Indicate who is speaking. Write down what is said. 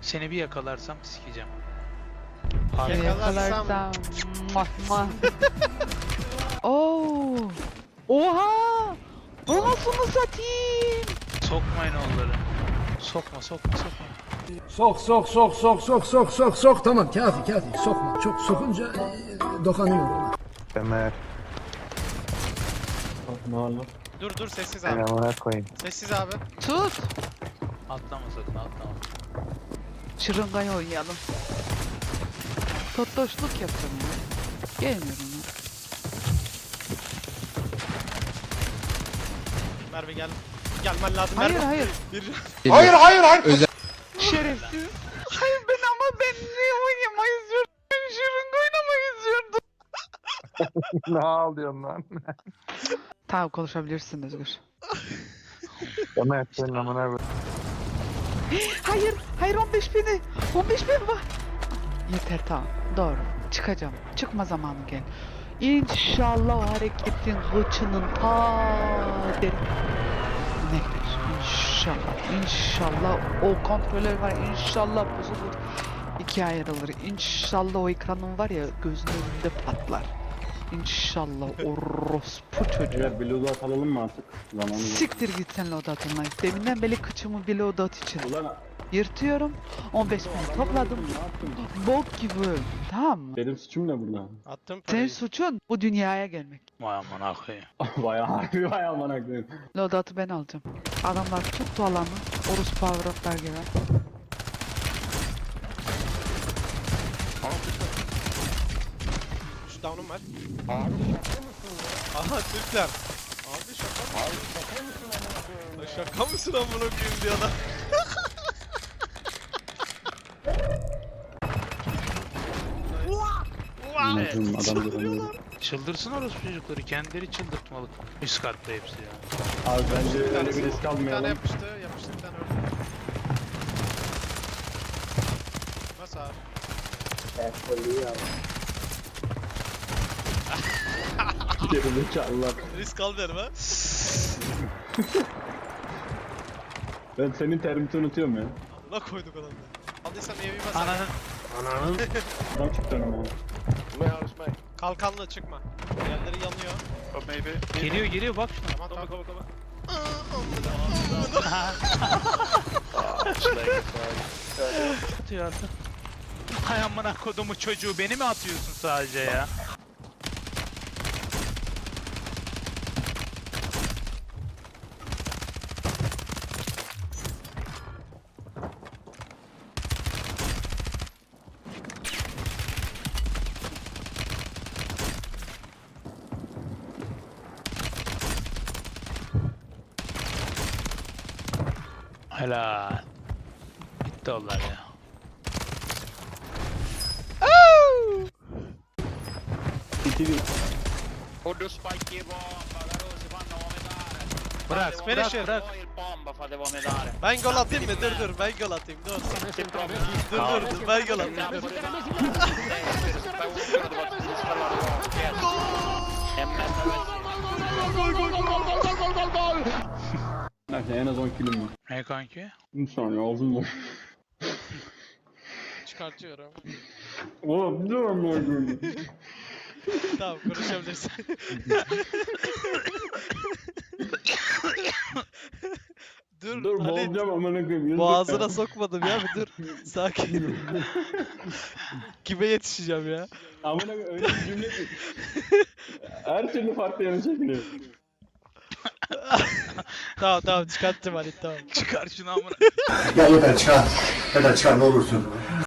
Speaker 1: Seni bir yakalarsam sikeceğim.
Speaker 2: Seni yakalarsam. Muah, muah. Oo. Oha! Anasını satayım.
Speaker 1: Sokmayın onları. Sokma.
Speaker 3: Sok tamam kafi sokma çok sokunca dokanıyor ona.
Speaker 4: Ömer.
Speaker 5: Dur sessiz abi.
Speaker 4: Amına koyayım.
Speaker 5: Sessiz abi.
Speaker 2: Tut.
Speaker 1: Atlama sakın atlama.
Speaker 2: Şırıngayı oynayalım. Tottoşluk yapacağım ya. Gelmiyorum ya.
Speaker 5: Merve gel. Gelmen lazım
Speaker 2: Hayır
Speaker 5: Merve.
Speaker 2: hayır.
Speaker 5: Bir...
Speaker 2: Şerefsiz. Hayır ben niye oynamayı izliyordum? Ben şırınga oynamayı izliyordum.
Speaker 4: Ne ağlıyorsun lan?
Speaker 2: Tamam konuşabilirsin Özgür.
Speaker 4: Ömer senin amına koyayım.
Speaker 2: Hayır 15 bini. 15 bin var. Yeter tamam. Doğru. Çıkacağım. Çıkma zamanı gel. İnşallah o hareketin hıçının deri. Nedir? İnşallah o kontroller var. İnşallah bozulur. İkiye ayrılır. İnşallah o ekranın var ya gözünün önünde patlar. İnşallah orospu çocuğu.
Speaker 6: Evet, bir loadout alalım mı artık? Zamanı yok.
Speaker 2: Siktir git sen loadout online. Deminden beri kıçımı bir loadout için
Speaker 6: Ulan
Speaker 2: yırtıyorum. 15 bin topladım.
Speaker 6: ne yaptın?
Speaker 2: Bok gibi. Tamam mı?
Speaker 6: Benim suçum ne burada?
Speaker 5: Attım
Speaker 2: Senin
Speaker 5: parayı.
Speaker 2: suçun bu dünyaya gelmek.
Speaker 1: Vay amına koyayım.
Speaker 6: Vay amına koyayım.
Speaker 2: Loadout'u ben alacağım. Adamlar tuttu alanı. Orus power up'lar gibi.
Speaker 5: Şu down'um var. Aha Türkler. Abi şaka mı? Lan şaka mısın amına koyayım diyor adam.
Speaker 6: Anladım, adam görünüyor.
Speaker 1: Çıldırsın orası çocukları. Kendileri çıldırtmalık. Üst katta hepsi ya.
Speaker 6: Abi bence
Speaker 5: Bir
Speaker 6: öyle
Speaker 5: tanesi-
Speaker 6: bir risk
Speaker 5: Bir tane
Speaker 6: almayalım.
Speaker 5: yapıştı bir tane öldü. Nasıl abi?
Speaker 6: Gerizekalılar.
Speaker 5: Risk almıyorum ha.
Speaker 6: Ben senin termiti unutuyorum ya.
Speaker 5: Amına koyduk adamı. Aldıysan evi bas.
Speaker 1: Ananın
Speaker 6: Adam çıktı önüme.
Speaker 5: Kalkanlı çıkma. Yerleri yanıyor.
Speaker 1: geliyor bak şuna.
Speaker 5: Tamam.
Speaker 1: Atıyor artık. Hay amına kodumu çocuğu beni mi atıyorsun sadece ya? Helal. Bitti onlar ya.
Speaker 6: İtili.
Speaker 1: Bırak
Speaker 5: Finisher.
Speaker 1: bırak.
Speaker 5: Ben gol atayım mı? Dur ben gol atayım. Dur ben gol atayım.
Speaker 6: Neyse en az 10 kilim var.
Speaker 1: Ne kanki?
Speaker 6: Bir saniye ağzım boş.
Speaker 5: Çıkartıyorum.
Speaker 6: Oğlum dur amına koyayım.
Speaker 5: Tamam konuşabilirsin.
Speaker 6: Dur
Speaker 5: Halit.
Speaker 6: boğulacağım amına koyayım.
Speaker 5: Boğazına sokmadım ya bir dur. Sakin. Kime yetişeceğim ya?
Speaker 6: Amına koyayım öyle bir cümle ki. Her türlü farklı yana çekiliyor.
Speaker 5: Tamam çıkarttım Halit tamam.
Speaker 1: Çıkar şunu amına.
Speaker 3: Ya yeter çıkar ne olursun.